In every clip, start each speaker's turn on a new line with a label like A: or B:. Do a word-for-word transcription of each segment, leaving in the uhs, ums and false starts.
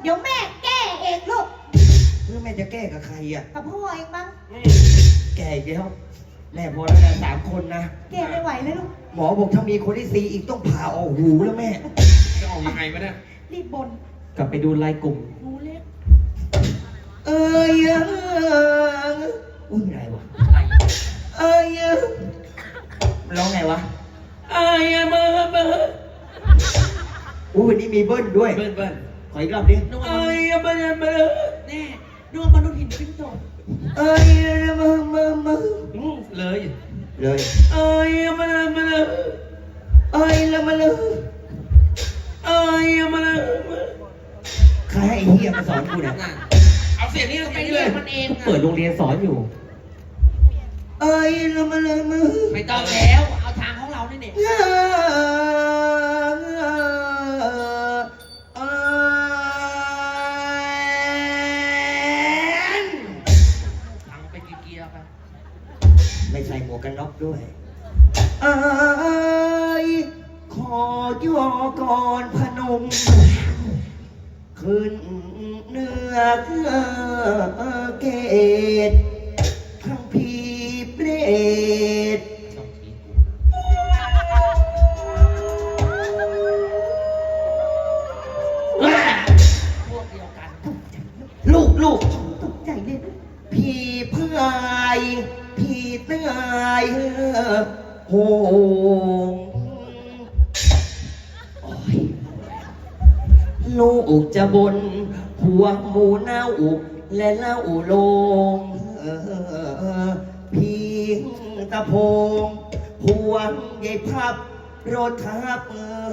A: ดี๋ยวแม่แก้เองลูก
B: เพื่อแม่จะแก้กับใครอ่ะ
A: กับพ่อเองมั้ง
B: แก้อีกแล้วแม่พอแล้วนะสามคนนะ
A: แก้ไม่ไหวเลยลูก
B: หมอบอกถ้ามีคนที่สี่อีกต้องผ่าออกหูแล้วแม่
C: จะออกยังไงวะเนี่ย
A: รีบบ่น
D: กลับไปดูไลน์กลุ่ม
A: หูเล็ก
B: เอ้ยอุ้ยอะไรวะเอ้ยร้องไงวะ
C: ไอ้เบอร์เบอร์
B: อุ้ยวันนี้มีเบิ้ลด้วย
C: เบิ้ลเบิ้ล
B: ขออีกรอบดิ
C: ไอ้เบอร์เบอร์แน่ดวงมนุษย์หินปิ้งโต
B: เอ้ยมามามา
C: เลย
B: เลย
C: ไอ้เบอร์เบอร์
B: เอ้ยละมาเลย
C: ไอ้เบอร์
B: ใครให้ไอ้เหี้ยมาสอนกูเนี่ย
C: เอาเสียงนี้ไปเลยมันเอง
D: เปิดโรงเรียนสอนอยู่
B: เอ้ยละมาเลยมา
C: ไม่ต้องแล้วเอาทางของเราเนี่ย
B: ไม่ใส่หมวกกันน็อกด้วยเอ้ยขอย่อก่อนพนมขึ้นเนื้อเกตทั้งพีเปรต
C: พวกเดียวกัน
B: ลูกลูก
A: ตกใจเลย
B: พี่พายพี่เตื้อยโหงลูกจะบนหัวหมูเน่าและเล่าลงพี่ตะโพงหัวใหญ่พับรถทับ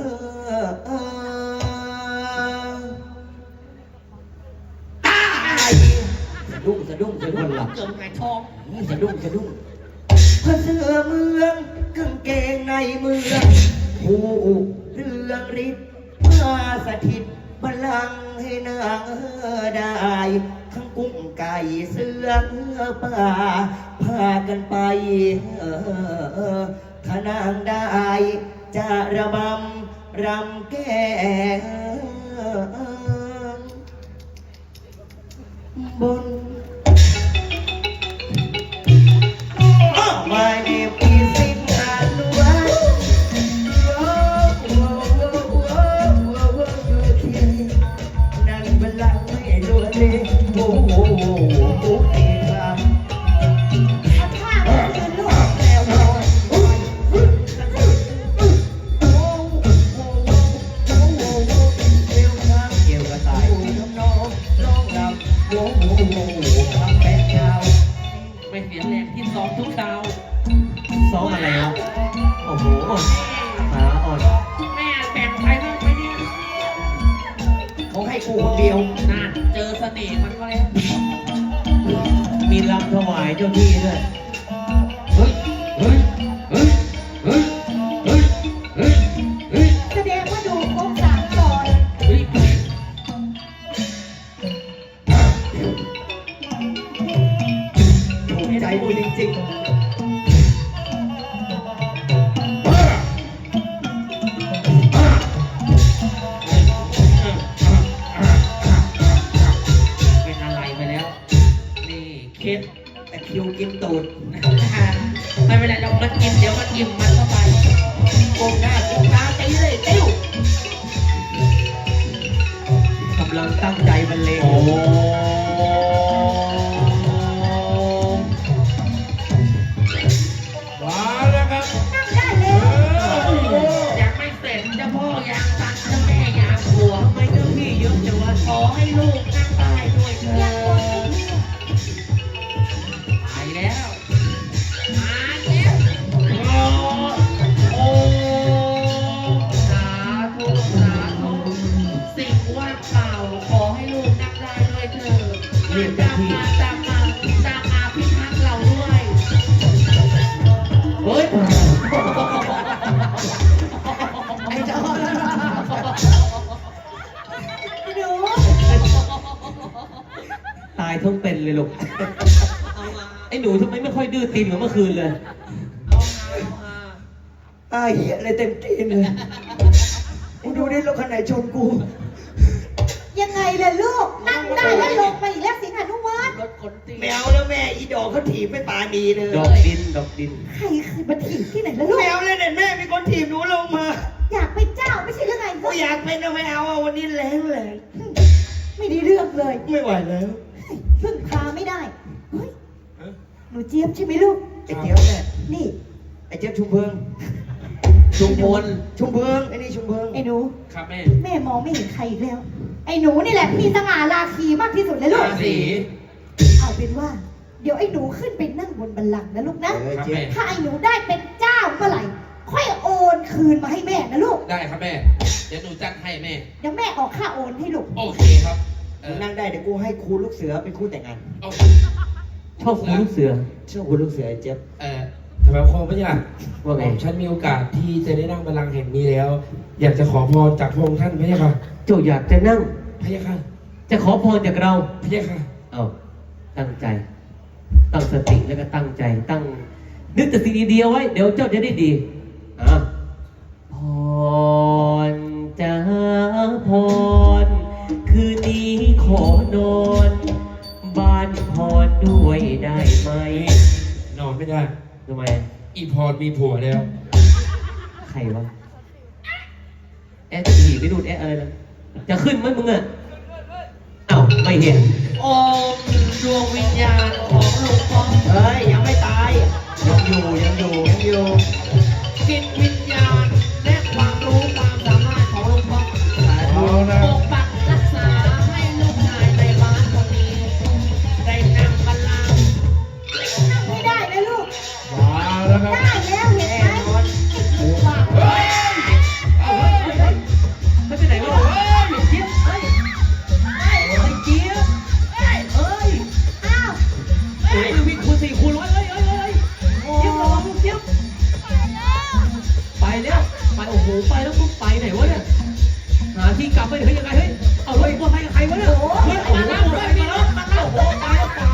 B: ตายสะดุ้งสะดุ้งสะดุ้งหลับ
C: เกือบไก่ทอง
B: สะดุ้งสะดุ้งพระเสือเมืองกางเกงในเมืองผู้เรื่องฤทธิ์มาสถิตบัลลังก์ให้นางได้ทั้งกุ้งไก่เสือป่าพากันไปถ้านางได้จะระบำรำแก้บนMy name is Sinhalwaนั่งบัลลังก์ไม่รู้เลยโอ้โหโอ้เอ๋ครับ
A: เอาข้าวมาคืนลูกแล้วโอ้ย
B: เกี่ยวกับสายน้องน้องรำโอ้โหทำแป๊ะยาว
C: ไม่เสียแรงที่ซ้อมทุกคราว
D: ซ้อมอะไรวะโอ้โหขาอ่อน
C: แม่แบ่งไปบ้างไหมเนี่ย
B: เขาให้กูคนเดียว
C: น่าเจอเสน่ห์มันก็แล้ว
D: มีรำถวายเจ้าที่ด้วย
B: เฮ้ยเฮ้ยเฮ้ยเฮ้ยเฮ้ยเฮ้ยเฮ้ย
A: แสดงว่าดูครบสามก่อน
C: เฮ้ย
B: ถูกใจกูจริงๆ
C: เป็นอะไรไปแล้วนี่เคส
B: แต่คิวกินตูด
C: ไม่เป็นไรเรามันกินเดี๋ยวมันอิ่มมันเข้าไปโกงหน้าโกงตาตีเลยติ้ว
D: กำลังตั้งใจบรรเลง
C: โอ้มาแล้วครับ
A: นั่งได้เลย
C: ยังไม่เสร็จเจ้าพ่อยังตัดเจ้าแม่ยังหัวไม่เจ้าพี่เยอะแต่ว่าขอให้ลูกนั่งได้ด้วยเถิดไปแล้วมาแล้วโอ้โอ้สาธุสาธุสิ่งว่างเปล่าขอให้ลูกนั่งได้ด้วยเถิดตามมาตามมาตามมาพิทักษ์เราด้วยเฮ้ยไอ้เจ้า
A: หนู
D: ตายทั้งเป็นเลยลูกไอ้หนูทำไมไม่ค่อยดื้อตีนเหมือนเมื่อคืนเลย
B: ตายเหี้ยอะไรเต็มตีนเลยกูดูดิรถคันไหนชนกู
A: ยังไงล่ะลู
B: ไม่เอาแล้วแม่อีดอกเขาถีบไม่ปาดีเลย
D: ดอกดินดอกดิน
A: ใครเคยมาถีบที่ไหนแล้วลูก
B: ไม่เอาเลยเนี่ยแม่มีคนถีบหนูลงมา
A: อยากเป็นเจ้าไม่ใช่หรือไง
B: กูอยากเป็นนะไม่เอาอะวันนี้แรงแรง
A: ไม่ได้เรื่องเลย
B: ไม่ไหวแล้ว
A: พึ่งพาไม่ได้เฮ้ยหนูเจี๊ยบใช่ไหมลูก
B: ไอ้เจี๊ยบเนี่ย
A: นี่
B: ไอ้เจี๊ยบชุมเพิง
D: ชุมพล
B: ชุมเพิงไอ้นี่ชุมเพิง
A: ไอ้หนู
C: ครับแม่
A: แม่มองไม่เห็นใครอีกแล้ว ไอ้หนูนี่แหละมีสง่าราคีมากที่สุดเลยลูก
C: ราศี
A: เอาเป็นว่า เดี๋ยวไอ้หนูขึ้นไปนั่งบนบัลลังก์นะลูกนะ
B: เออเจี๊ยบ
A: ถ้าไอ้หนูได้เป็นเจ้าเมื่อไหร่ ค่อยโอนคืนมาให้แม่นะลูก
C: ได้ครับแม่ เดี๋ยวหนูจัดให้แม่
A: เดี๋ยวแม่ออกค่าโอนให้ลูก
C: โอเคครับเอ
B: มึ
C: อง
B: นั่งได้เดี๋ยวกูให้ครูลูกเสือเป็นคู่แต่งงาน
C: โอเค
D: ชอบคุณลูกเสือ
B: เชื่อครูลูกเสือไอ้เจี๊ยบ
C: เออ
E: ทำไมพ่อไม่อยาก
D: ว่าไง
E: ฉันมีโอกาสที่จะได้นั่งบัลลังก์แห่งนี้แล้ว อยากจะขอพรจากพระองค์ท่านพระยาค่ะ
D: เจ้าอยากจะนั่ง
E: พระยาค่ะ
D: จะขอพรจากเรา
E: พระยาค่ะ
D: เอาตั้งใจ ตั้งสติแล้วก็ตั้งใจ ตั้ง นึกแต่สิ่งดีๆไว้ เดี๋ยวเจ้าจะได้ดีอ่ะพรจ้าพร คืนนี้ขอนอน บ้านพรด้วยได้ไหม
E: นอนไม่ได้
D: ทำไม
E: อีพรมีผัวแล้ว
D: ใครวะ แอะผีไม่ดูดแอะอะไรนะจะขึ้นไหมมึงอ่ะเอ้าไม่เห็น
C: โอมดวงวิญญาณของลุงป้อม
B: เฮ้ยยังไม่ตายยังอยู่ยังอยู่ยังอยู่
C: จิตวิญญาณและความรู้ความสามารถของลุงป้อม
E: เอานะ
C: ปกปักรักษาให้ลูกชายในบ้านคนนี้ ได้นั่งบัลลังก์
A: นั่งไม่ได้นะลูก
E: มาแล้วครับ
A: ได้แล้วเห็นไหมไอ้กูว่า
E: เฮ้ย
D: เอาเฮ้ยเฮ้ยเฮ้ยไม่ไปไหนวะเฮ้ยเจี๊ยบเฮ้ยเฮ้ยเฮ้ยเจี๊ยบเฮ้ยเฮ้ย
A: อ้าว
D: เฮ้ยวิ่งคูณสี่คูณร้อยเฮ้ยเฮ้ยเฮ้ยเจี๊ยบระวังลูกเจี๊ยบไปแล้วไปโอ้โหไปแล้วมึงไปไหนวะเนี่ยหาที่กลับไปเฮ้ยยังไงเฮ้ยเอาเฮ้ยว่าไปกับใครวะเนี่ยเฮ้ยมาแล้วมาแล้วมาแล้วโอ้โหตายแล้วตาย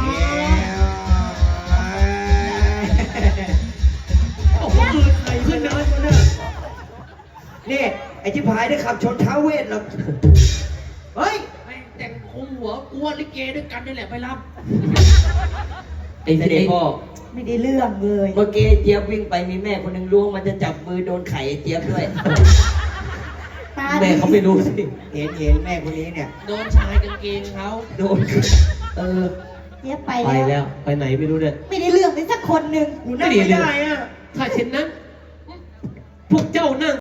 D: โอ้โหมือใครขึ้นนะเนี่ย
B: นี่ไอ้ที่พายได้ขับชนท้าเวทหรอกเฮ้ย
C: ไม่แต่งคุมหัวกลัวลิเกด้วยกันนี่แหละไปรับ
D: ไอ้เด็กพ่อ
A: ไม่ได้เรื่องเลย
B: เมื่อกี้เจี๊ยบวิ่งไปมีแม่คนหนึ่งล้วงมันจะจับมือโดนไข่ไอ้เจี๊ยบด้วย
A: ตา
D: แม่เขาไม่รู้สิ
B: เห็นเห็นแม่คนนี้เนี่ย
C: โดนชายกางเกงเขา
B: โดนเออ
A: เจี๊ยบไป
D: ไป
A: แล้
D: แล้ว วไปไหนไม่รู้เนี่ย
A: ไม่ได้เรื่องเลยสักคนหนึ่ง
B: กูนั่งไม่ได้อะ
D: ถ้าเช่นนั้น พวกเจ้านั่ง